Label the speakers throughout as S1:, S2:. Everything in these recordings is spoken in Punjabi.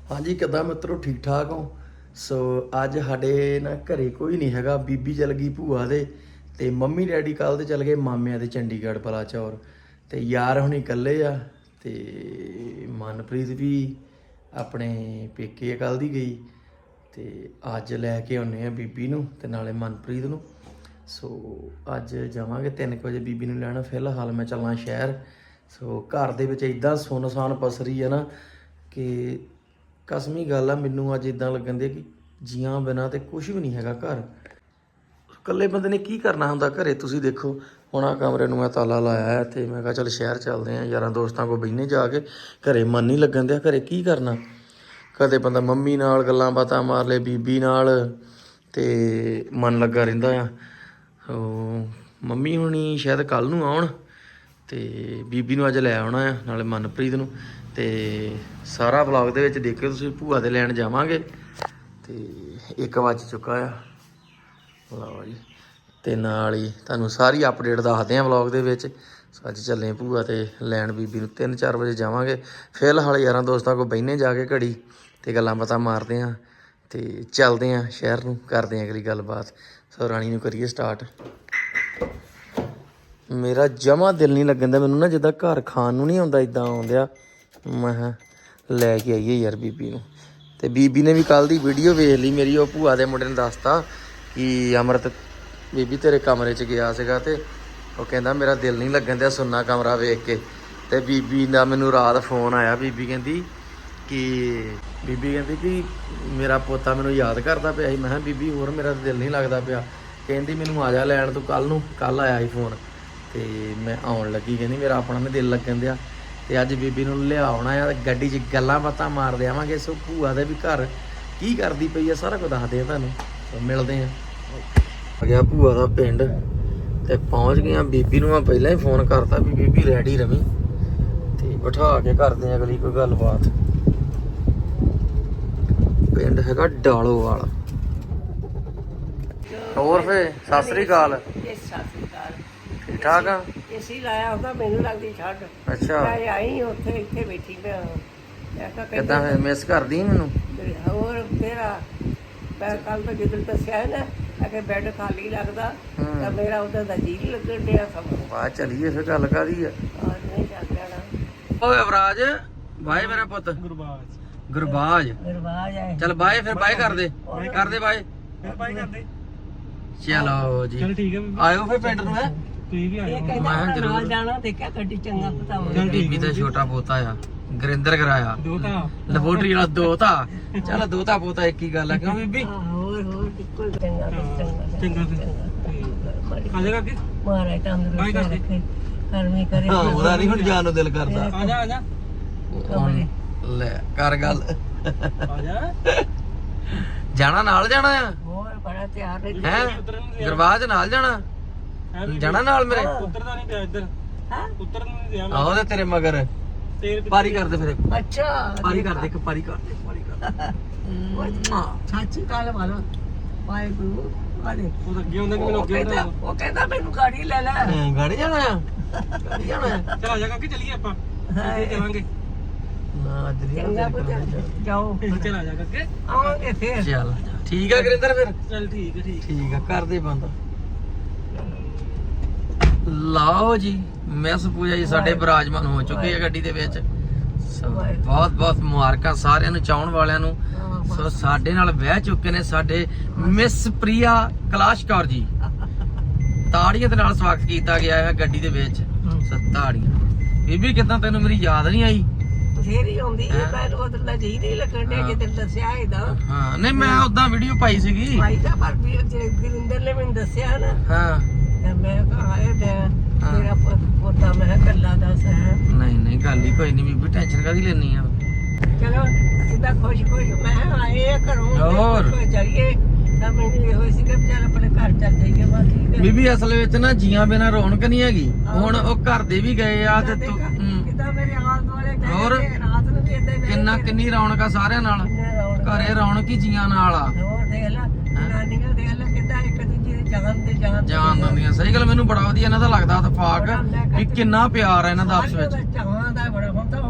S1: ਹਾਂਜੀ ਕਿੱਦਾਂ ਮਿੱਤਰੋ, ਠੀਕ ਠਾਕ ਹੋ? ਸੋ ਅੱਜ ਸਾਡੇ ਨਾ ਘਰੇ ਕੋਈ ਨਹੀਂ ਹੈਗਾ। ਬੀਬੀ ਚਲ ਗਈ ਭੂਆ ਦੇ ਤੇ ਮੰਮੀ ਡੈਡੀ ਕੱਲ ਦੇ ਚਲ ਗਏ ਮਾਮਿਆਂ ਦੇ ਚੰਡੀਗੜ੍ਹ ਬਲਾਚੌਰ ਤੇ ਯਾਰ ਹੁਣੀ ਇਕੱਲੇ ਆ ਤੇ ਮਨਪ੍ਰੀਤ ਵੀ ਆਪਣੇ ਪੇਕੇ ਕੱਲ ਦੀ ਗਈ ਤੇ ਅੱਜ ਲੈ ਕੇ ਆਉਨੇ ਆ ਬੀਬੀ ਨੂੰ ਤੇ ਨਾਲੇ ਮਨਪ੍ਰੀਤ ਨੂੰ। ਸੋ ਅੱਜ ਜਾਵਾਂਗੇ 3 ਵਜੇ ਬੀਬੀ ਨੂੰ ਲੈਣ। ਫਿਲਹਾਲ ਮੈਂ ਚੱਲਾਂ ਸ਼ਹਿਰ। ਸੋ ਘਰ ਦੇ ਵਿੱਚ ਇਦਾਂ ਸੁੰਨਸਾਨ ਪਸਰੀ ਆ ਨਾ ਕਿ ਕਸਮੀ ਗੱਲ ਆ, ਮੈਨੂੰ ਅੱਜ ਇਦਾਂ ਲੱਗਣ ਦੇ ਕਿ ਜੀਆਂ ਬਿਨਾਂ ਤੇ ਕੁਝ ਵੀ ਨਹੀਂ ਹੈਗਾ ਘਰ। ਇਕੱਲੇ ਬੰਦੇ ਨੇ ਕੀ ਕਰਨਾ ਹੁੰਦਾ ਘਰੇ। ਤੁਸੀਂ ਦੇਖੋ ਹੁਣ ਆਹ ਕਮਰੇ ਨੂੰ ਮੈਂ ਤਾਲਾ ਲਾਇਆ ਹੈ ਤੇ ਮੈਂ ਕਿਹਾ ਚੱਲ ਸ਼ਹਿਰ ਚੱਲਦੇ ਆ, ਯਾਰਾਂ ਦੋਸਤਾਂ ਕੋਲ ਬਹਿਨੇ ਜਾ ਕੇ। ਘਰੇ ਮਨ ਨਹੀਂ ਲੱਗਣ ਦਿਆ, ਘਰੇ ਕੀ ਕਰਨਾ। ਕਦੇ ਬੰਦਾ ਮੰਮੀ ਨਾਲ ਗੱਲਾਂ ਬਾਤਾਂ ਮਾਰ ਲੇ, ਬੀਬੀ ਨਾਲ, ਤੇ ਮਨ ਲੱਗਾ ਰਹਿੰਦਾ ਆ। ਸੋ ਮੰਮੀ ਹੁਣੀ ਸ਼ਾਇਦ ਕੱਲ ਨੂੰ ਆਉਣ ਤੇ ਬੀਬੀ ਨੂੰ ਅੱਜ ਲੈ ਆਉਣਾ ਆ, ਨਾਲੇ ਮਨਪ੍ਰੀਤ ਨੂੰ। ਤੇ ਸਾਰਾ ਵਲੌਗ ਦੇ ਵਿੱਚ ਦੇਖਿਓ ਤੁਸੀਂ। ਭੂਆ ਦੇ ਲੈਣ ਜਾਵਾਂਗੇ ਤੇ 1 ਵੱਜ ਚੁੱਕਾ ਆ। ਲਓ ਜੀ, ਤੇ ਨਾਲ ਹੀ ਤੁਹਾਨੂੰ ਸਾਰੀ ਅਪਡੇਟ ਦੱਸਦੇ ਆ ਵਲੌਗ ਦੇ ਵਿੱਚ। ਅੱਜ ਚੱਲੇ ਭੂਆ ਤੇ ਲੈਣ ਬੀਬੀ ਨੂੰ, 3-4 ਵਜੇ ਜਾਵਾਂਗੇ। ਫਿਲਹਾਲ ਯਾਰਾਂ ਦੋਸਤਾਂ ਕੋਲ ਬਹਿਨੇ ਜਾ ਕੇ ਘੜੀ ਤੇ ਗੱਲਾਂ ਬਾਤਾਂ ਮਾਰਦੇ ਆ ਤੇ ਚੱਲਦੇ ਆ ਸ਼ਹਿਰ ਨੂੰ, ਕਰਦੇ ਆ ਅਗਲੀ ਗੱਲਬਾਤ। ਸੋ ਰਾਣੀ ਨੂੰ ਕਰੀਏ ਸਟਾਰਟ। ਮੇਰਾ ਜਮਾਂ ਦਿਲ ਨਹੀਂ ਲੱਗਣ ਦਾ, ਮੈਨੂੰ ਨਾ ਜਿੱਦਾਂ ਘਰ ਖਾਣ ਨੂੰ ਨਹੀਂ ਆਉਂਦਾ ਇਦਾਂ ਆਉਂਦਿਆ। ਮੈਂ ਕਿਹਾ ਲੈ ਕੇ ਆਈਏ ਯਾਰ ਬੀਬੀ ਨੂੰ। ਤੇ ਬੀਬੀ ਨੇ ਵੀ ਕੱਲ ਦੀ ਵੀਡੀਓ ਵੇਖ ਲਈ ਮੇਰੀ। ਉਹ ਭੂਆ ਦੇ ਮੁੰਡੇ ਨੇ ਦੱਸਤਾ ਕਿ ਅਮਰਤ ਬੀਬੀ ਤੇਰੇ ਕਮਰੇ 'ਚ ਗਿਆ ਸੀਗਾ ਤੇ ਉਹ ਕਹਿੰਦਾ ਮੇਰਾ ਦਿਲ ਨਹੀਂ ਲੱਗਣ ਦਿਆ ਸੁੰਨਾ ਕਮਰਾ ਵੇਖ ਕੇ। ਤੇ ਬੀਬੀ ਦਾ ਮੈਨੂੰ ਰਾਤ ਫੋਨ ਆਇਆ। ਬੀਬੀ ਕਹਿੰਦੀ ਕਿ ਮੇਰਾ ਪੋਤਾ ਮੈਨੂੰ ਯਾਦ ਕਰਦਾ ਪਿਆ ਸੀ। ਮੈਂ ਕਿਹਾ ਬੀਬੀ ਹੋਰ ਮੇਰਾ ਦਿਲ ਨਹੀਂ ਲੱਗਦਾ ਪਿਆ। ਕਹਿੰਦੀ ਮੈਨੂੰ ਆ ਜਾ ਲੈਣ ਤੂੰ ਕੱਲ ਨੂੰ। ਕੱਲ ਆਇਆ ਸੀ ਫੋਨ ਤੇ ਮੈਂ ਆਉਣ ਲੱਗੀ। ਕਹਿੰਦੀ ਮੇਰਾ ਆਪਣਾ ਨਹੀਂ ਦਿਲ ਲੱਗਣ ਦਿਆ। ਤੇ ਅੱਜ ਬੀਬੀ ਨੂੰ ਲਿਆਉਣਾ ਆ, ਗੱਡੀ 'ਚ ਗੱਲਾਂ ਬਾਤਾਂ ਮਾਰਦੇ ਆਵਾਂਗੇ। ਸੋ ਭੂਆ ਦੇ ਵੀ ਘਰ ਕੀ ਕਰਦੀ ਪਈ ਆ ਸਾਰਾ ਕੁਝ ਦੱਸਦੇ ਆ ਤੁਹਾਨੂੰ। ਸੋ ਮਿਲਦੇ ਆ। ਆ ਗਿਆ ਭੂਆ ਦਾ ਪਿੰਡ ਤੇ ਪਹੁੰਚ ਗਈਆਂ। ਬੀਬੀ ਨੂੰ ਮੈਂ ਪਹਿਲਾਂ ਹੀ ਫੋਨ ਕਰਤਾ ਵੀ ਬੀਬੀ ਰੈਡੀ ਰਵੀਂ ਤੇ ਬਿਠਾ ਕੇ ਕਰਦੇ ਆ ਅਗਲੀ ਕੋਈ ਗੱਲਬਾਤ। ਪਿੰਡ ਹੈਗਾ ਡਾਲੋਵਾਲ। ਹੋਰ ਫੇ ਸਤਿ ਸ੍ਰੀ ਅਕਾਲ। ਠੀਕ ਠਾਕ ਆ?
S2: ਏਸੀ ਲਾਇਆ ਹੁੰਦਾ, ਮੈਨੂੰ ਲੱਗਦੀ ਛੱਡ।
S1: ਅੱਛਾ,
S2: ਮੈਂ ਆਈ ਉੱਥੇ ਇੱਥੇ ਬੈਠੀ ਮੈਂ
S1: ਕਿੱਦਾਂ ਫੇ ਮਿਸ ਕਰਦੀ ਮੈਨੂੰ?
S2: ਹੋਰ ਤੇਰਾ ਮੈਂ ਕੱਲ ਤੋਂ ਜਦੋਂ ਦੱਸਿਆ ਨਾ ਕਿ ਬੈੱਡ ਖਾਲੀ ਲੱਗਦਾ ਤਾਂ ਮੇਰਾ ਉਹਦਾ ਦਾ ਜੀ ਲੱਗਣ ਡਿਆ ਸਮਾਂ।
S1: ਬਾਅਦ ਚਲੀਏ ਫਿਰ ਗੱਲ ਕਾਦੀ ਆ।
S2: ਨਹੀਂ ਚੱਲ ਜਾਣਾ।
S1: ਓਏ ਅਵਰਾਜ ਬਾਏ ਮੇਰਾ ਪੁੱਤ। ਗੁਰਬਾਜ
S2: ਹੈ।
S1: ਚੱਲ ਬਾਏ ਫਿਰ ਬਾਏ ਕਰਦੇ ਬਾਏ। ਚਲੋ ਜੀ, ਚਲ ਠੀਕ ਹੈ। ਆਇਓ ਫਿਰ ਪਿੰਡ ਨੂੰ। ਹੈ ਤੁਸੀਂ ਵੀ ਆਇਓ। ਮੈਂ ਜ਼ਰੂਰ
S2: ਜਾਣਾ। ਦੇਖਿਆ ਗੱਡੀ ਚੰਗਾ ਪਤਾ
S1: ਬੀਬੀ ਦਾ ਛੋਟਾ ਪੋਤਾ ਆ ਗੁਰਿੰਦਰ ਕਰਾਇਆ ਲੈਬੋਰਟਰੀ ਵਾਲਾ ਦੋਤਾ। ਚੱਲ ਦੋਤਾ ਪੋਤਾ ਇੱਕ ਹੀ ਗੱਲ ਆ, ਕਿਉਂ ਬੀਬੀ?
S2: ਹੋਰ ਇੱਕੋ ਚੰਗਾ ਆਜੇਗਾ ਕਿ ਮਾਰੇ ਤੰਦਰੁਸਤ ਰੱਖੇ, ਕਰਮੀ ਕਰੇ।
S1: ਹਾਂ ਉਹਦਾ ਨਹੀਂ ਹੁਣ ਜਾਣ ਨੂੰ ਦਿਲ ਕਰਦਾ।
S2: ਆ ਜਾ
S1: ਲੈ ਕਰ ਗੱਲ।
S2: ਆ
S1: ਜਾਣਾ ਨਾਲ ਜਾਣਾ ਆ।
S2: ਹੋਰ ਬੜਾ ਤਿਆਰ
S1: ਹੈ ਗੁਰਬਾਜ ਨਾਲ ਜਾਣਾ ਨਾਲ ਮੇਰੇ।
S2: ਉਤਰਦਾ ਨਹੀਂ ਪਿਆ ਇੱਧਰ। ਉਤਰਨ ਨਹੀਂ ਦਿਆ।
S1: ਆਹੋ ਤੇ ਤੇਰੇ ਮਗਰ ਪਾਰੀ ਕਰਦੇ ਫਿਰ।
S2: ਅੱਛਾ
S1: ਪਾਰੀ ਕਰਦੇ ਇੱਕ ਪਾਰੀ ਕਰਦੇ।
S2: ਸੱਚੀ ਗੱਲ ਵਾਲਾ ਵਾਹਿਗੁਰੂ ਵਾਲੇ ਉਹ ਅੱਗੇ ਹੁੰਦਾ ਕਿ ਮੈਨੂੰ ਅੱਗੇ ਹੁੰਦਾ। ਉਹ ਕਹਿੰਦਾ ਮੈਨੂੰ ਗਾੜੀ ਲੈ ਲੈ।
S1: ਗਾੜੀ ਜਾਣਾ ਆ? ਗਾੜੀ ਜਾਣਾ ਆ?
S2: ਚਲ ਆ ਜਾ ਕੇ ਚੱਲੀਏ ਆਪਾਂ ਚੱਲਾਂਗੇ
S1: ਨਾ ਅੱਜ ਨਹੀਂ
S2: ਜਾਓ। ਚਲ ਆ ਜਾ ਕੇ ਆਵਾਂਗੇ ਫੇਰ।
S1: ਚੱਲ ਠੀਕ ਆ ਗੁਰਿੰਦਰ ਫਿਰ।
S2: ਚਲ ਠੀਕ
S1: ਆ ਕਰਦੇ ਬੰਦ। ਲਓ ਜੀ ਮਿਸ ਪੂਜਾ ਜੀ ਸਾਡੇ ਬਰਾਜਮਾਨ ਹੋ ਚੁੱਕੇ ਆ ਗੱਡੀ ਦੇ ਵਿੱਚ। ਬਹੁਤ ਬਹੁਤ ਮੁਬਾਰਕਾਂ ਸਾਰਿਆਂ ਨੂੰ, ਚਾਹਣ ਵਾਲਿਆਂ ਨੂੰ। ਸੋ ਸਾਡੇ ਨਾਲ ਬਹਿ ਚੁੱਕੇ ਨੇ ਸਾਡੇ ਮਿਸ ਪ੍ਰਿਆ ਕੈਲਾਸ਼ ਕੌਰ ਜੀ। ਤਾੜੀਆਂ ਦੇ ਨਾਲ ਸਵਾਗਤ ਕੀਤਾ ਗਿਆ ਹੈ ਗੱਡੀ ਦੇ ਵਿੱਚ। ਸੋ ਤਾੜੀਆਂ। ਬੀਬੀ ਕਿੱਦਾਂ, ਤੈਨੂੰ ਮੇਰੀ ਯਾਦ ਨਹੀਂ ਆਈ?
S2: ਬਥੇਰੀ ਆਉਂਦੀ ਹੈ। ਮੈਂ ਉਧਰ ਦਾ ਜੀ ਨਹੀਂ ਲੱਗਣ ਡਿਆ ਜਿੱਦਣ ਦੱਸਿਆ ਇਹਦਾ।
S1: ਹਾਂ ਨਹੀਂ ਮੈਂ ਉਦਾਂ ਵੀਡੀਓ ਪਾਈ ਸੀਗੀ।
S2: ਭਾਈ ਦਾ ਪਰ ਗੁਰਿੰਦਰ ਨੇ ਮੈਨੂੰ ਦੱਸਿਆ ਨਾ।
S1: ਹਾਂ
S2: ਮੈਂ ਕਿਹਾ ਆਏ ਮੇਰਾ ਪੋਤਾ ਮੈਂ ਕੱਲਾ ਦੱਸ ਹੈ।
S1: ਨਹੀਂ ਗੱਲ ਹੀ ਕੋਈ ਨਹੀਂ ਬੀਬੀ, ਟੈਨਸ਼ਨ ਕਾਹਦੀ ਲੈਣੀ ਆ।
S2: ਚਲੋ ਸਿੱਧਾ ਖੁਸ਼ ਮੈਂ ਆਏ ਘਰੋਂ
S1: ਹੋਰ
S2: ਜਾਈਏ ਤਾਂ ਮੈਨੂੰ ਇਹੋ ਸੀ ਕਿ ਚੱਲ ਆਪਣੇ ਘਰ ਚੱਲ ਜਾਈਏ। ਬਸ ਠੀਕ ਹੈ
S1: ਬੀਬੀ, ਅਸਲ ਵਿੱਚ ਨਾ ਜੀਆਂ ਬਿਨਾਂ ਰੌਣਕ ਨਹੀਂ ਹੈਗੀ। ਹੁਣ ਉਹ ਘਰ ਦੇ ਵੀ ਗਏ ਆ ਤੇ
S2: ਕਿਦਾਂ ਮੇਰੇ ਆਲ ਦੁਆਲੇ
S1: ਹੋਰ
S2: ਰਾਤ ਨੂੰ ਵੀ ਏਦਾਂ
S1: ਕਿੰਨੀ ਰੌਣਕ ਆ ਸਾਰਿਆਂ ਨਾਲ। ਘਰੇ ਰੌਣਕ ਹੀ ਜੀਆਂ ਨਾਲ ਆ।
S2: ਹੋਰ ਦੇਖ ਲੈ ਨਾਨੀਆਂ ਦੇਖ ਲੈ ਕਿਦਾਂ ਇੱਕ ਦੂਜੇ ਦੇ
S1: ਜਾਨ ਦਿੰਦੀਆਂ। ਸਹੀ ਗੱਲ, ਮੈਨੂੰ ਬੜਾ ਵਧੀਆ ਇਹਨਾਂ ਦਾ ਲੱਗਦਾ ਇਤਫਾਕ ਵੀ ਕਿੰਨਾ ਪਿਆਰ ਆ ਇਹਨਾਂ ਦਾ ਆਪਸ ਵਿੱਚ।
S2: ਚਾਹਾਂ ਦਾ ਬੜਾ ਹੁਣ ਤਾਂ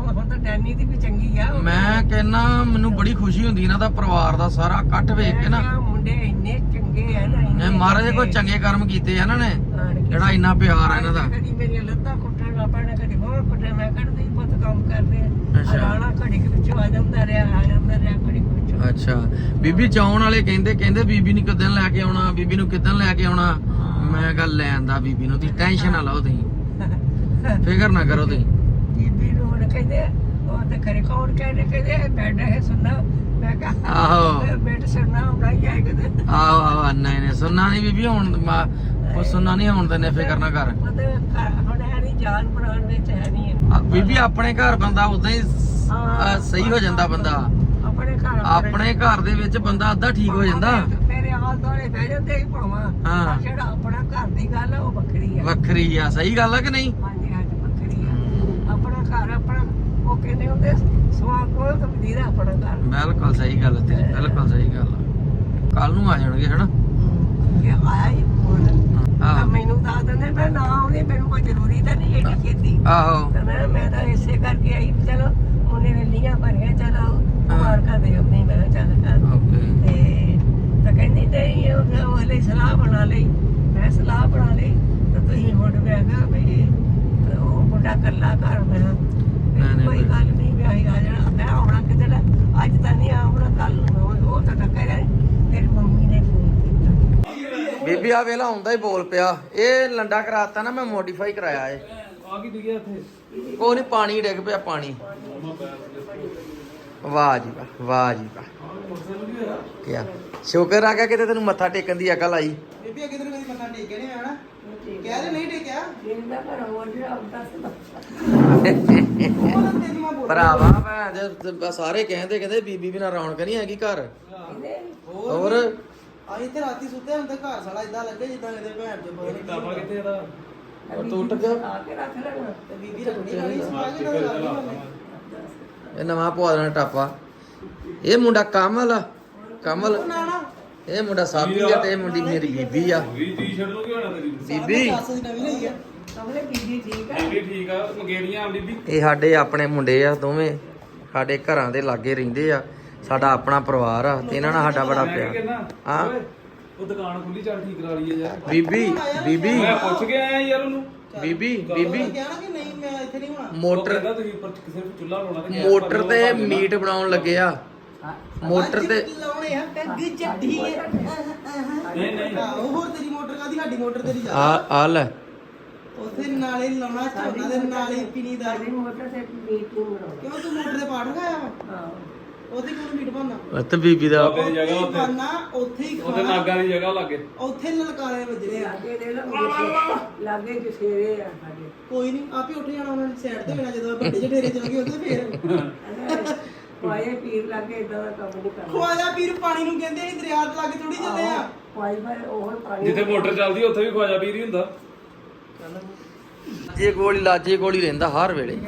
S2: ਨਾਨੀ ਦੀ ਵੀ ਚੰਗੀ ਆ
S1: ਮੈਂ ਕਹਿੰਨਾ ਮੈਨੂੰ ਬੜੀ ਖੁਸ਼ੀ ਹੁੰਦੀ ਇਹਨਾਂ ਦਾ ਪਰਿਵਾਰ ਦਾ ਸਾਰਾ ਇਕੱਠ ਵੇਖ ਕੇ ਨਾ
S2: ਮੁੰਡੇ ਇੰਨੇ ਚੰਗੇ ਆ ਨਾ
S1: ਨੇ ਮਹਾਰਾਜ ਕੋਈ ਚੰਗੇ ਕਰਮ ਕੀਤੇ ਆ ਇਹਨਾਂ ਨੇ ਜਿਹੜਾ ਇੰਨਾ ਪਿਆਰ ਆ ਇਹਨਾਂ ਦਾ
S2: ਕਦੀ ਮੇਰੀਆਂ ਲੱਤਾਂ ਕੁੱਟਣ ਆਪਣੇ ਕਦੀ ਹੋਰ ਕੁੱਟਣ ਮੈਂ ਕੱਢਦੀ ਬਹੁਤ ਕੰਮ ਕਰਦੇ ਆ ਰਾਣਾ ਘੜੀ ਕੇ ਵਿੱਚੋਂ ਆ ਜਾਂਦਾ ਰਿਹਾ ਘੜੀ ਵਿੱਚੋਂ
S1: ਅੱਛਾ ਬੀਬੀ ਚਾਉਣ ਵਾਲੇ ਕਹਿੰਦੇ ਬੀਬੀ ਨੂੰ ਕਿੱਦਣ ਲੈ ਕੇ ਆਉਣਾ ਬੀਬੀ ਨੂੰ ਕਿੱਦਣ ਲੈ ਕੇ ਆਉਣਾ ਮੈਂ ਗੱਲ ਲੈਣ ਦਾ ਬੀਬੀ ਨੂੰ ਤੁਸੀਂ ਟੈਨਸ਼ਨ ਨਾ ਲਓ ਤੁਸੀਂ ਫਿਕਰ ਨਾ ਕਰੋ ਤੁਸੀਂ
S2: ਬੀਬੀ ਨੂੰ ਹੁਣ ਕਹਿੰਦੇ ਉਹ ਤੇ ਖਰੇ ਕੌਣ ਕਹਿੰਦੇ ਬੈਠ ਹੈ ਸੁਣਨਾ ਮੈਂ ਕਹਾ
S1: ਆਹੋ
S2: ਬੈਠ ਸੁਣਨਾ ਹੁੰਦਾ ਹੀ ਹੈ ਕਿਤੇ
S1: ਆਹੋ ਨਹੀਂ ਸੁਣਨਾ ਨਹੀਂ ਬੀਬੀ ਹੁਣ ਉਹ ਸੁਣਨਾ ਨਹੀਂ ਹੁਣ ਤੇ ਫਿਕਰ ਨਾ ਕਰ
S2: ਹੁਣ ਹੈ ਨਹੀਂ ਜਾਨ ਬਣਾਉਣ ਵਿੱਚ ਹੈ ਨਹੀਂ
S1: ਬੀਬੀ ਆਪਣੇ ਘਰ ਬੰਦਾ ਉਦਾਂ ਹੀ ਸਹੀ ਹੋ ਜਾਂਦਾ ਬੰਦਾ ਆਪਣੇ ਘਰ ਦੇ ਵਿੱਚ ਬੰਦਾ ਅੱਧਾ ਠੀਕ ਹੋ ਜਾਂਦਾ
S2: ਮੇਰੇ ਹਾਲ ਦੋਲੇ ਬਹਿ ਜਾਂਦੇ ਹੀ ਭਾਵਾਂ ਜਿਹੜਾ ਆਪਣਾ ਘਰ ਦੀ ਗੱਲ ਆ ਉਹ ਵੱਖਰੀ ਆ
S1: ਸਹੀ ਗੱਲ ਆ ਕਿ ਨਹੀਂ
S2: ਹਾਂਜੀ ਵੱਖਰੀ ਆ ਆਪਣਾ ਘਰ ਆਪਣਾ ਉਹ ਕਹਿੰਦੇ ਹੁੰਦੇ ਸਵਾਦ ਕੋਲ ਤਾਂ ਵਧੀਆ ਆਪਣਾ ਘਰ
S1: ਬਿਲਕੁਲ ਸਹੀ ਗੱਲ ਤੇਰੀ ਬਿਲਕੁਲ ਸਹੀ ਗੱਲ ਕੱਲ ਨੂੰ ਆ ਜਾਣਗੇ ਹਨਾ
S2: ਕਿ ਆਇਆ ਹੀ ਫੋਨ ਮੈਨੂੰ ਦੱਸ ਦਿੰਦੇ ਮੈਂ ਨਾ ਆਉਣੀ ਮੈਨੂੰ ਕੋਈ ਜ਼ਰੂਰੀ ਤਾਂ ਨਹੀਂ ਏਡੀ ਖੇਤੀ
S1: ਆਹੋ
S2: ਤੇ ਮੈਂ ਤਾਂ ਇਸੇ ਕਰਕੇ ਆਈ ਚਲੋ ਉਹਨੇ ਨੇ ਲੀਆਂ ਭਰੀਆਂ ਚਲੋ ਮਾਰਕਾ ਦੇ ਆਪਣੀ ਮੈਂ ਚੱਲ
S1: ਓਕੇ
S2: ਤੇ ਤਾਂ ਕਹਿੰਦੀ ਨਹੀਂ ਉਹ ਲਈ ਸਲਾਹ ਬਣਾ ਲਈ ਮੈਂ ਸਲਾਹ ਬਣਾ ਲਈ ਤਾਂ ਤੁਸੀਂ ਹੁਣ ਮੈਂ ਕਿਹਾ ਵੀ ਉਹ ਮੁੰਡਾ ਕੱਲਾ ਘਰ ਮੈਂ ਕੋਈ ਗੱਲ ਨਹੀਂ ਵੀ ਆਈ ਆ ਜਾਣਾ ਮੈਂ ਆਉਣਾ ਕਿਤੇ ਅੱਜ ਤਾਂ ਨਹੀਂ ਆਉਣਾ ਕੱਲ ਨੂੰ ਉਹ ਤਾਂ ਟੱਕਰ ਤੇਰੀ ਮੰਮੀ ਨੇ ਫੋਨ ਕੀਤਾ
S1: ਬੀਬੀ ਆ ਵੇਲਾ ਹੁੰਦਾ ਹੀ ਬੋਲ ਪਿਆ ਇਹ ਲੰਡਾ ਕਰਾਤਾ ਨਾ ਮੈਂ ਮੋਡੀਫਾਈ ਕਰਾਇਆ ਏ
S3: ਆ ਕੀ ਦਿਖਿਆ ਇੱਥੇ
S1: ਉਹ ਨਹੀਂ ਪਾਣੀ ਡਿੱਗ ਪਿਆ ਪਾਣੀ ਵਾਹ ਜੀ ਵਾਹ ਕਿਆ ਸ਼ੁਕਰ ਆ ਗਿਆ ਕਿਤੇ ਤੈਨੂੰ ਮੱਥਾ ਟੇਕਣ ਦੀ ਅਕਲ ਆਈ
S3: ਬੀਬੀ ਅੱਗੇ ਤੈਨੂੰ ਕਦੀ ਮੱਥਾ ਟੇਕਿਆ ਨਹੀਂ ਆਣਾ ਕਹਿ ਰਹੇ ਨਹੀਂ ਟੇਕਿਆ
S2: ਜਿੰਦਾ ਪਰ ਹੋਰ ਜਿਹੜਾ ਹੁੰਦਾ ਸੀ
S3: ਉਹ ਤਾਂ ਤੇਰੀ ਮਾਂ ਬੋਲ
S1: ਭਰਾਵਾ ਮੈਂ ਸਾਰੇ ਕਹਿੰਦੇ ਬੀਬੀ ਬਿਨਾ ਰੌਣਕ ਨਹੀਂ ਹੈਗੀ ਘਰ ਹੋਰ
S3: ਆਈ ਇੱਥੇ ਰਾਤੀ ਸੁੱਤੇ ਹੁੰਦੇ ਘਰ ਸਾਲਾ ਇਦਾਂ ਲੱਗੇ ਜਿੱਦਾਂ ਕਿਤੇ ਭੈਣ ਚੋਂ ਪਤਾ ਨਹੀਂ ਕਾਪਾ ਕਿੱਥੇ ਇਹਦਾ
S1: ਉਹ ਟੁੱਟ ਗਿਆ
S2: ਆ ਕੇ ਰੱਖ ਲੈਣਾ
S3: ਤੇ ਬੀਬੀ ਰੱਖਣੀ ਵਾਲੀ ਸਵਾ ਕੇ ਨਾ ਰੱਖਣੀ
S1: ਇਹ ਨਵਾਂ ਪਵਾ ਦੇਣਾ ਟਾਪਾ ਇਹ ਮੁੰਡਾ ਕਮਲ
S3: ਨਾਣਾ
S1: ਇਹ ਮੁੰਡਾ ਸਾਬੀ ਆ ਤੇ ਇਹ ਮੁੰਡੀ ਮੇਰੀ ਬੀਬੀ ਆ
S4: ਵੀ ਟੀ-ਸ਼ਰਟ ਨੂੰ ਕੀ ਹੋਣਾ ਤੇਰੀ
S1: ਬੀਬੀ
S3: ਦੱਸ ਦੀ ਨਵੀਂ ਲਈ ਆ
S2: ਕਮਲੇ ਬੀਬੀ ਠੀਕ ਆ
S4: ਬੀਬੀ ਠੀਕ ਆ ਮੰਗੇਰੀਆਂ ਆ ਬੀਬੀ
S1: ਇਹ ਸਾਡੇ ਆਪਣੇ ਮੁੰਡੇ ਆ ਦੋਵੇਂ ਸਾਡੇ ਘਰਾਂ ਦੇ ਲਾਗੇ ਰਹਿੰਦੇ ਆ ਸਾਡਾ ਆਪਣਾ ਪਰਿਵਾਰ ਆ ਤੇ ਇਹਨਾਂ ਨਾਲ ਸਾਡਾ ਬੜਾ
S4: ਮੈਂ ਕੀ
S1: ਪਿਆਰ
S4: ਕਹਿਣਾ
S1: ਹਾਂ
S4: ਓਏ, ਉਹ ਦੁਕਾਨ ਖੁੱਲੀ ਚੱਲ ਠੀਕ ਕਰਾ ਲਈਏ ਯਾਰ
S1: ਬੀਬੀ
S4: ਮੈਂ ਪੁੱਛ ਕੇ ਆਇਆ ਯਾਰ ਉਹਨੂੰ
S1: ਬੀਬੀ
S3: ਕਿਹਾ ਨਾ ਕਿ ਨਹੀਂ ਮੈਂ ਇੱਥੇ ਨਹੀਂ ਹੋਣਾ
S4: ਉਹ
S1: ਮੋਟਰ
S4: ਕਹਿੰਦਾ ਤੁਸੀਂ ਉੱਪਰ ਕਿਸੇ ਨੂੰ ਚੁੱਲ੍ਹਾ ਲਾਉਣਾ ਤੇ
S1: ਮੋਟਰ ਤੇ ਮੀਟ ਬਣਾਉਣ ਲੱਗੇ ਆ ਮੋਟਰ ਤੇ
S3: ਲਾਉਣੇ ਆ ਪੈਗ ਜੱਡੀ
S4: ਨਹੀਂ ਨਹੀਂ
S3: ਉਹ ਹੋਰ ਤੇਰੀ ਮੋਟਰ ਕਾਦੀ ਸਾਡੀ ਮੋਟਰ ਤੇਰੀ ਜਾ
S1: ਆ ਲੈ
S3: ਉੱਥੇ ਨਾਲੇ ਲਾਉਣਾ ਝੋਨਾ ਦੇ ਨਾਲੇ ਪੀਣੀ ਦਾ
S2: ਸਾਡੀ ਮੋਟਰ ਤੇ ਮੀਟ ਨੂੰ ਬਣਾਉਣਾ
S3: ਕਿਉਂ ਤੂੰ ਮੋਟਰ ਦੇ ਪਾਠ ਖਾਇਆ ਵਾ
S2: ਹਾਂ
S3: ਉੱਥੇ ਕਿਉਂ ਮੀਟ ਬਣਨਾ
S1: ਤੇ ਬੀਬੀ ਦਾ
S4: ਬਾਬੇ ਦੀ ਜਗ੍ਹਾ ਉੱਥੇ
S3: ਬਣਨਾ ਉੱਥੇ ਹੀ
S4: ਉਹਦੇ
S3: ਖਾਣਾ
S4: ਨਾਗਾਂ ਦੀ ਜਗ੍ਹਾ ਲੱਗੇ
S3: ਉੱਥੇ ਲਲਕਾਰੇ ਵੱਜਣੇ ਆ
S2: ਲਾਗੇ ਦੇ ਲੋ ਲਾਗੇ ਜਸੇਰੇ ਆ ਸਾਡੇ
S3: ਕੋਈ ਨਹੀਂ ਆਪੇ ਉੱਠ ਜਾਣਾ ਉਹਨਾਂ ਨੇ ਸਾਈਡ ਤੇ ਹੋਣਾ ਜਦੋਂ ਵੱਡੇ ਜਠੇਰੇ ਚਲ ਗਏ ਉੱਥੇ ਫੇਰ
S2: ਪਾਏ ਪੀਰ ਲਾਗੇ ਇਦਾਂ ਦਾ ਕੰਮ ਨਹੀਂ ਕਰਨਾ
S3: ਖਵਾਜਾ ਪੀਰ ਪਾਣੀ ਨੂੰ ਕਹਿੰਦੇ ਅਸੀਂ ਦਰਿਆ ਦੇ ਲਾਗੇ ਥੋੜੀ ਚੱਲੇ ਆ
S2: ਪਾਈ ਪਰ ਉਹ ਪਾਣੀ
S4: ਜਿੱਥੇ ਮੋਟਰ ਚੱਲਦੀ ਉੱਥੇ ਵੀ ਖਵਾਜਾ ਪੀਰ ਹੀ ਹੁੰਦਾ
S1: ਲਾਜੇ ਕੋਲ ਹੀ ਰਹਿੰਦਾ ਹਰ ਵੇਲੇ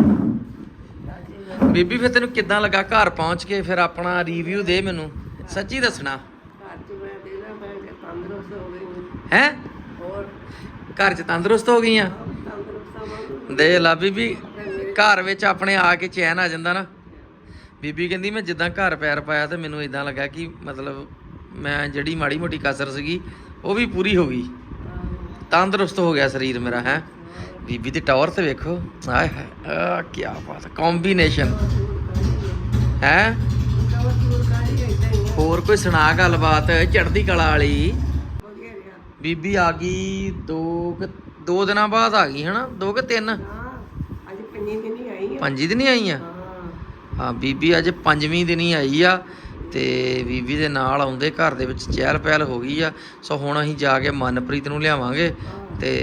S1: ਬੀਬੀ ਫਿਰ ਤੈਨੂੰ ਕਿੱਦਾਂ ਲੱਗਾ ਘਰ ਪਹੁੰਚ ਕੇ ਫਿਰ ਆਪਣਾ ਰਿਵਿਊ ਦੇ ਮੈਨੂੰ ਸੱਚੀ ਦੱਸਣਾ
S2: ਘਰ ਚ ਮੈਂ ਦੇਣਾ ਮੈਂ ਤੰਦਰੁਸਤ ਹੋ ਗਈ
S1: ਹੈ
S2: ਹੋਰ
S1: ਘਰ 'ਚ ਤੰਦਰੁਸਤ ਹੋ ਗਈਆਂ
S2: ਤੰਦਰੁਸਤ ਹੋ
S1: ਦੇ ਲਾ ਬੀਬੀ ਘਰ ਵਿੱਚ ਆਪਣੇ ਆ ਕੇ ਚੈਨ ਆ ਜਾਂਦਾ ਨਾ ਬੀਬੀ ਕਹਿੰਦੀ ਮੈਂ ਜਿੱਦਾਂ ਘਰ ਪੈਰ ਪਾਇਆ ਤੇ ਮੈਨੂੰ ਇਦਾਂ ਲੱਗਾ ਕਿ ਮਤਲਬ ਮੈਂ ਜਿਹੜੀ ਮਾੜੀ ਮੋਟੀ ਕਸਰ ਸੀਗੀ ਉਹ ਵੀ ਪੂਰੀ ਹੋ ਗਈ ਤੰਦਰੁਸਤ ਹੋ ਗਿਆ ਸਰੀਰ ਮੇਰਾ ਹੈ ਬੀਬੀ ਦੀ ਟੌਰ ਤੇ ਵੇਖੋ ਆਏ ਹਾਏ ਆ ਕੀ ਬਾਤ ਕੰਬੀਨੇਸ਼ਨ ਹੈ ਹੋਰ ਕੋਈ ਸੁਣਾ ਗੱਲਬਾਤ ਚੜ੍ਹਦੀ ਕਲਾ ਵਾਲੀ ਬੀਬੀ ਆ ਗਈ ਦੋ ਦਿਨਾਂ ਬਾਅਦ ਆ ਗਈ ਹਨਾ 2 ਕਿ 3
S2: ਅੱਜ 5 ਦਿਨ ਹੀ ਆਈ
S1: 5 ਦਿਨ ਹੀ ਆਈ ਆ ਹਾਂ ਬੀਬੀ ਅੱਜ 5ਵੀਂ ਦਿਨ ਹੀ ਆਈ ਆ ਤੇ ਬੀਬੀ ਦੇ ਨਾਲ ਆਉਂਦੇ ਘਰ ਦੇ ਵਿੱਚ ਚਹਿਲ ਪਹਿਲ ਹੋ ਗਈ ਆ ਸੋ ਹੁਣ ਅਸੀਂ ਜਾ ਕੇ ਮਨਪ੍ਰੀਤ ਨੂੰ ਲਿਆਵਾਂਗੇ ਤੇ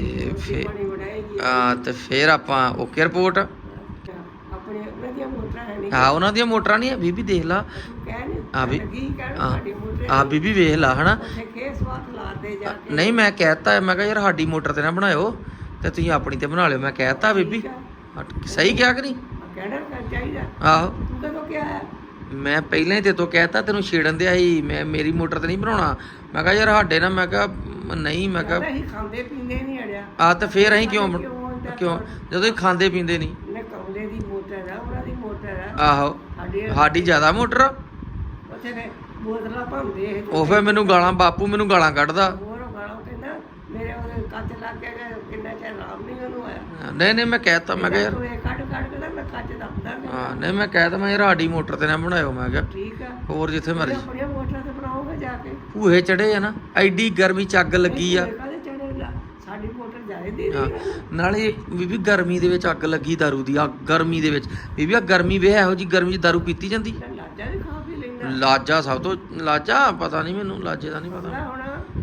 S1: ਫਿਰ ਆਪਾਂ ਓਕੇ ਰਿਪੋਰਟ
S2: ਆਪਣੇ ਉਹਨਾਂ ਦੀਆਂ ਮੋਟਰਾਂ ਹੈ ਨਹੀਂ
S1: ਹਾਂ ਉਹਨਾਂ ਦੀਆਂ ਮੋਟਰਾਂ ਨਹੀਂ ਆ ਬੀਬੀ ਦੇਖ ਲਾ
S2: ਕਹਿ ਨਹੀਂ
S1: ਆ ਵੀ
S2: ਕੀ ਕਹਿਣ ਸਾਡੀ ਮੋਟਰ
S1: ਆ ਬੀਬੀ ਵੇਖ ਲਾ ਹਨਾ
S2: ਉੱਥੇ ਖੇਸ ਵਾਤ ਲਾਦੇ ਜਾ ਕੇ
S1: ਨਹੀਂ ਮੈਂ ਕਹਿਤਾ ਮੈਂ ਕਿਹਾ ਯਾਰ ਸਾਡੀ ਮੋਟਰ ਤੇ ਨਾ ਬਣਾਇਓ ਤੇ ਤੁਸੀਂ ਆਪਣੀ ਤੇ ਬਣਾ ਲਿਓ ਮੈਂ ਕਹਿਤਾ ਬੀਬੀ ਸਹੀ ਕਿਹਾ ਕਿ ਨਹੀਂ
S2: ਕਹਿਣਾ ਚਾਹੀਦਾ
S1: ਆਹੋ
S2: ਤੂੰ ਕਦੋਂ ਕਿਹਾ ਹੈ
S1: ਮੈਂ ਪਹਿਲਾਂ ਹੀ ਤੇ ਤੋਂ ਕਹਿਤਾ ਤੈਨੂੰ ਛੇੜਨ ਦਿਆ ਸੀ ਮੈਂ ਮੇਰੀ ਮੋਟਰ ਤੇ ਨਹੀਂ ਬਣਾਉਣਾ ਮੈਂ ਕਿਹਾ ਯਾਰ ਸਾਡੇ ਨਾਲ ਮੈਂ ਕਿਹਾ ਨਹੀਂ ਮੈਂ ਕਿਹਾ
S2: ਅਸੀਂ ਖਾਂਦੇ ਪੀਂਦੇ ਨਹੀਂ ਅੜਿਆ
S1: ਆ ਤਾਂ ਫੇਰ ਅਸੀਂ ਕਿਉਂ ਜਦੋਂ ਅਸੀਂ ਖਾਂਦੇ ਪੀਂਦੇ ਨਹੀਂ
S2: ਨੇ ਕਮਲੇ ਦੀ ਮੋਟਰ ਆ ਉਹਨਾਂ
S1: ਆਹੋ ਸਾਡੀ ਜ਼ਿਆਦਾ ਮੋਟਰ ਆ।
S2: ਉੱਥੇ ਨੇ ਬੋਤਲਾਂ ਭੰਦੇ ਇਹ
S1: ਉਹ ਫੇ ਮੈਨੂੰ ਗਾਲਾਂ ਬਾਪੂ ਮੈਨੂੰ ਗਾਲਾਂ ਕੱਢਦਾ।
S2: ਹੋਰ ਉਹ ਗਾਲਾਂ ਕਹਿੰਦਾ ਮੇਰੇ ਉਹਦੇ ਕੱਚ ਲੱਗ ਗਿਆ ਕਿ ਕਿੰਨਾ ਚਿਰ ਆਰਾਮ ਨਹੀਂ ਉਹਨੂੰ ਆਇਆ।
S1: ਨਹੀਂ ਮੈਂ ਕਹਿਤਾ ਮੈਂ ਕਿਹਾ ਯਾਰ
S2: ਤੂੰ ਇਹ ਕੱਢ ਕੇ ਨਾ ਮੈਂ ਕੱਚ ਦੱਬਦਾ
S1: ਹਾਂ ਨਹੀਂ ਮੈਂ ਕਹਿਤਾ ਮੈਂ ਯਾਰ ਸਾਡੀ ਮੋਟਰ ਤੇ ਨਾ ਬਣਾਇਓ ਮੈਂ ਕਿਹਾ
S2: ਠੀਕ ਆ
S1: ਹੋਰ ਜਿੱਥੇ ਮਰਜੀ
S2: ਆਪਣੀਆਂ ਮੋਟਰਾਂ ਤੇ ਬਣਾਓਗੇ ਜਾ ਕੇ
S1: ਭੂਹੇ ਚੜੇ ਆ ਨਾ ਐਡੀ ਗਰਮੀ ਚ ਅੱਗ ਲੱਗੀ ਆ
S2: ਕਾਹਦੇ ਚੜੇ ਸਾਡੀ ਮੋਟਰ ਜਾਏ ਦੀ
S1: ਹਾਂ, ਨਾਲੇ ਬੀਬੀ ਗਰਮੀ ਦੇ ਵਿੱਚ ਅੱਗ ਲੱਗੀ ਦਾਰੂ ਦੀ ਆ ਗਰਮੀ ਦੇ ਵਿੱਚ ਬੀਬੀ ਆ ਗਰਮੀ ਵੇ ਇਹੋ ਜੀ ਗਰਮੀ ਚ ਦਾਰੂ ਪੀਤੀ ਜਾਂਦੀ
S2: ਲਾਜਾ ਵੀ ਖਾ ਪੀ ਲੈਂਦਾ
S1: ਲਾਜਾ ਸਭ ਤੋਂ ਲਾਜਾ ਪਤਾ ਨਹੀਂ ਮੈਨੂੰ ਲਾਜੇ ਦਾ ਨਹੀਂ ਪਤਾ
S2: ਹੁਣ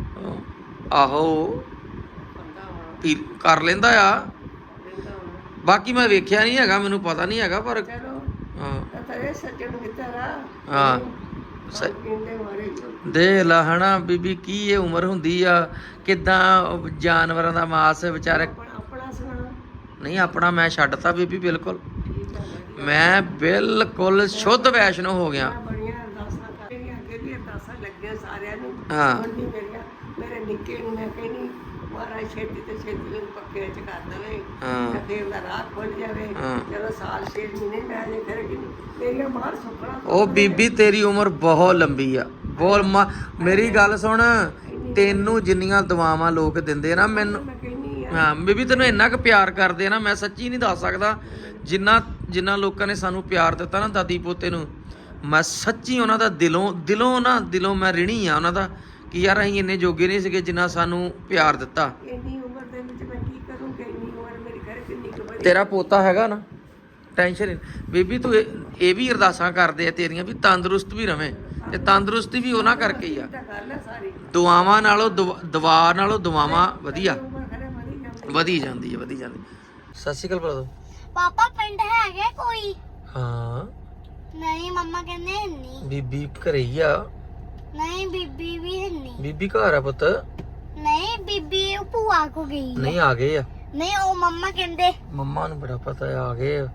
S1: ਆਹੋ
S2: ਬੰਦਾ ਹੁਣ
S1: ਪੀ ਕਰ ਲੈਂਦਾ ਆ
S2: ਲੈਂਦਾ ਹੁਣ
S1: ਬਾਕੀ ਮੈਂ ਵੇਖਿਆ ਨਹੀਂ ਹੈਗਾ ਮੈਨੂੰ ਪਤਾ ਨਹੀਂ ਹੈਗਾ ਪਰ
S2: ਚਲੋ
S1: ਹਾਂ
S2: ਤਾਂ ਇਹ ਸੱਜਣ ਕਿੱਧਰ ਆ
S1: ਹਾਂ
S2: ਕਿੰਨੇ ਮਾਰੇ
S1: ਦੇ ਲਾ ਹਨਾ ਬੀਬੀ ਕੀ ਇਹ ਉਮਰ ਹੁੰਦੀ ਆ ਕਿਦਾਂ ਜਾਨਵਰਾਂ ਦਾ ਮਾਸ ਵਿਚਾਰੇ
S2: ਆਪਣਾ ਸੁਣਾ
S1: ਨਹੀਂ ਆਪਣਾ ਮੈਂ ਛੱਡਤਾ ਬੀਬੀ ਬਿਲਕੁਲ
S2: ਠੀਕ ਆ
S1: ਮੈਂ ਬਿਲਕੁਲ ਸ਼ੁੱਧ ਵੈਸ਼ਨੋ ਹੋ ਗਿਆ
S2: ਬੜੀਆਂ ਅਰਦਾਸਾਂ ਕਰ ਰਹੀਆਂ ਅੱਗੇ ਵੀ ਅਰਦਾਸਾਂ ਲੱਗੀਆਂ ਸਾਰਿਆਂ ਨੂੰ
S1: ਹਾਂ।
S2: ਹੁਣ ਵੀ ਮੇਰੇ ਨਿੱਕੇ ਨੂੰ ਮੈਂ ਕਹਿੰਦੀ ਮਹਾਰਾਜ ਛੇਤੀ ਤੇ ਛੇਤੀ ਨੂੰ ਪੱਕੇ ਚ ਕਰ ਦੇਵੇ
S1: ਹਾਂ।
S2: ਤੇ ਫਿਰ ਉਹਦਾ ਰਾਹ ਖੁੱਲ ਜਾਵੇ
S1: ਹਾਂ।
S2: ਚਲੋ ਸਾਲ 6 ਮਹੀਨੇ ਮੈਂ ਅਜੇ ਫਿਰ ਕਿ ਮੇਰੀਆਂ ਬਾਹਰ ਸੁੱਕਣਾ
S1: ਉਹ ਬੀਬੀ ਤੇਰੀ ਉਮਰ ਬਹੁਤ ਲੰਬੀ ਆ ਮੇਰੀ ਗੱਲ ਸੁਣ ਤੈਨੂੰ ਜਿੰਨੀਆਂ ਦੁਆਵਾਂ ਲੋਕ ਦਿੰਦੇ ਨਾ ਮੈਨੂੰ
S2: ਮੈਂ ਕਹਿੰਦੀ ਆ
S1: ਹਾਂ ਬੀਬੀ ਤੈਨੂੰ ਇੰਨਾ ਕੁ ਪਿਆਰ ਕਰਦੇ ਆ ਨਾ ਮੈਂ ਸੱਚੀ ਨਹੀਂ ਦੱਸ ਸਕਦਾ ਜਿੰਨਾ ਲੋਕਾਂ ਨੇ ਸਾਨੂੰ ਪਿਆਰ ਦਿੱਤਾ ਨਾ ਦਾਦੀ ਪੋਤੇ ਨੂੰ ਮੈਂ ਸੱਚੀ ਉਹਨਾਂ ਦਾ ਦਿਲੋਂ ਮੈਂ ਰਿਣੀ ਆ ਉਹਨਾਂ ਦਾ ਕਿ ਯਾਰ ਅਸੀਂ ਇੰਨੇ ਜੋਗੇ ਨਹੀਂ ਸੀਗੇ ਜਿੰਨਾ ਸਾਨੂੰ ਪਿਆਰ ਦਿੱਤਾ
S2: ਇੰਨੀ ਉਮਰ ਦੇ ਵਿੱਚ ਮੈਂ ਕੀ ਕਰੂੰਗੀ ਇੰਨੀ ਉਮਰ ਮੇਰੀ ਘਰੇ ਕਿੰਨੀ ਕੁ ਬੜੀ
S1: ਤੇਰਾ ਪੋਤਾ ਹੈਗਾ ਨਾ ਟੈਨਸ਼ਨ ਬੀਬੀ ਤੂੰ ਇਹ ਵੀ ਅਰਦਾਸਾਂ ਕਰਦੇ ਆ ਤੇਰੀਆਂ ਵੀ ਤੰਦਰੁਸਤ ਵੀ ਰਵੇਂ ਤੇ ਤੰਦਰੁਸਤੀ ਵੀ ਉਹਨਾਂ ਕਰਕੇ ਹੀ ਆ
S2: ਤਾਂ ਗੱਲ ਆ ਸਾਰੀ
S1: ਦੁਆਵਾਂ ਨਾਲੋਂ ਦੁਆਵਾਂ ਵਧੀਆ
S2: ਉਮਰ ਘਰੇ
S1: ਵਧੀ ਜਾਂਦੀ ਹੈ ਸਤਿ ਸ਼੍ਰੀ ਅਕਾਲ ਬ੍ਰਦਰ
S5: ਪਾਪਾ ਪਿੰਡ ਹੈਗੇ ਕੋਈ
S1: ਹਾਂ
S5: ਨਹੀਂ ਮੰਮਾ ਕਹਿੰਦੇ ਨਹੀਂ
S1: ਬੀਬੀ ਘਰੇ ਹੀ ਆ
S5: ਨਹੀਂ ਬੀਬੀ ਵੀ ਨਹੀਂ
S1: ਬੀਬੀ ਘਰ ਆ ਪੁੱਤ
S5: ਨਹੀਂ ਬੀਬੀ ਉਹ ਭੂਆ ਕੋ ਗਈ
S1: ਨਹੀਂ ਆ ਗਏ ਆ
S5: ਨਹੀਂ ਉਹ ਮੰਮਾ ਕਹਿੰਦੇ
S1: ਮੰਮਾ ਨੂੰ ਬੜਾ ਪਤਾ ਆ ਗਏ ਆ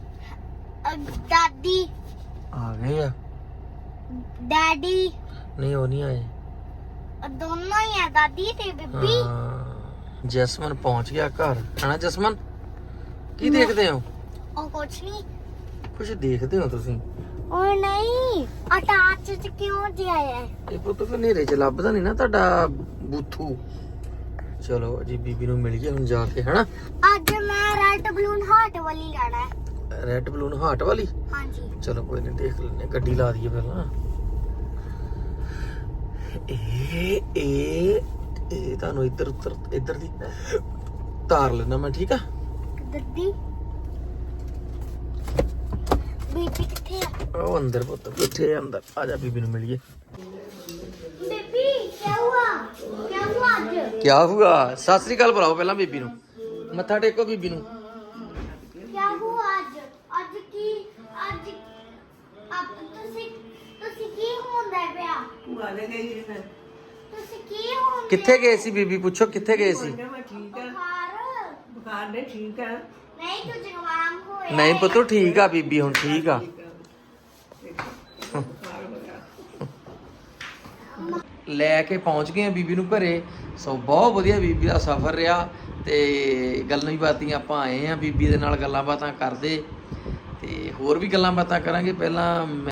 S5: ਦਾਦੀ
S1: ਆ ਗਏ ਆ
S5: ਡੈਡੀ
S1: ਨਹੀਂ ਉਹ ਨਹੀਂ ਆਏ
S5: ਦੋਨੋਂ ਹੀ ਆ ਦਾਦੀ ਤੇ ਬੀਬੀ
S1: ਹਾਂ ਜਸਮਨ ਪਹੁੰਚ ਗਿਆ ਘਰ ਹਨਾ ਜਸਮਨ ਕੀ ਦੇਖਦੇ ਹੋ
S5: ਉਹ ਕੁਛ ਨਹੀਂ
S1: ਕੁਝ ਦੇਖਦੇ ਹੋ ਤੁਸੀਂ
S5: ਉਹ ਨਹੀਂ ਅਟੈਚ ਚ ਕਿਉਂ ਜਿਆਇਆ
S1: ਇਹ ਪੁੱਤ ਫਿਰ ਹਨੇਰੇ ਚ ਲੱਭਦਾ ਨਹੀਂ ਨਾ ਤੁਹਾਡਾ ਬੂਥੂ ਚਲੋ ਜੀ ਬੀਬੀ ਨੂੰ ਮਿਲ ਗਿਆ ਹੁਣ ਜਾ ਕੇ ਹਨਾ
S5: ਅੱਜ ਮੈਂ ਰੈਡ ਬਲੂਨ ਹਾਰਟ ਵਾਲੀ ਲੈਣਾ ਹੈ
S1: ਰੈਡ ਬਲੂਨ ਹਾਰਟ ਵਾਲੀ
S5: ਹਾਂਜੀ
S1: ਚਲੋ ਕੋਈ ਨਹੀਂ ਦੇਖ ਲੈਨੇ ਗੱਡੀ ਲਾ ਦਈਏ ਪਹਿਲਾਂ ਇਹ ਤੁਹਾਨੂੰ ਇੱਧਰ ਦੀ ਤਾਰ ਲੈਣਾ ਮੈਂ ਠੀਕ ਆ
S5: ਦਾਦੀ ਬੀਬੀ ਕਿੱਥੇ ਆ
S1: ਉਹ ਅੰਦਰ ਪੁੱਤ ਕਿੱਥੇ ਅੰਦਰ ਆ ਜਾ ਬੀਬੀ ਨੂੰ ਮਿਲੀਏ
S5: ਬੀਬੀ ਕੀ ਹੁਆ ਅੱਜ
S1: ਕੀ ਹੁਆ ਸਤਿ ਸ੍ਰੀ ਅਕਾਲ ਬੁਲਾਓ ਪਹਿਲਾਂ ਬੀਬੀ ਨੂੰ ਮੱਥਾ ਟੇਕੋ ਬੀਬੀ ਨੂੰ
S5: क्या हुआ आज की आज अब ਤੁਸੀਂ ਕੀ ਹੁੰਦਾ ਪਿਆ
S2: ਭੂਆ ਦੇ ਗਈ ਨੇ
S5: ਤੁਸੀਂ ਕੀ ਹੁੰਦਾ
S1: ਕਿੱਥੇ ਗਏ ਸੀ ਬੀਬੀ ਪੁੱਛੋ ਕਿੱਥੇ ਗਏ ਸੀ
S2: ਮੈਂ ਠੀਕ ਆ
S5: ਬੁਖਾਰ
S2: ਬੁਖਾਰ ਨੇ ਠੀਕ ਆ
S5: ਨਹੀਂ ਤੂੰ ਜਵਾਮ ਹੋਇਆ
S1: ਨਹੀਂ ਪੁੱਤੋ ਠੀਕ ਆ ਬੀਬੀ ਹੁਣ ਠੀਕ ਆ ਲੈ ਕੇ ਪਹੁੰਚ ਗਏ ਆ ਬੀਬੀ ਨੂੰ ਘਰੇ ਸੋ ਬਹੁਤ ਵਧੀਆ ਬੀਬੀ ਦਾ ਸਫ਼ਰ ਰਿਹਾ ਤੇ ਗੱਲਾਂ ਹੀ ਬਾਤੀਆਂ ਆਪਾਂ ਆਏ ਆ ਬੀਬੀ ਦੇ ਨਾਲ ਗੱਲਾਂ ਬਾਤਾਂ ਕਰਦੇ ਤੇ ਹੋਰ ਵੀ ਗੱਲਾਂ ਬਾਤਾਂ ਕਰਾਂਗੇ ਪਹਿਲਾਂ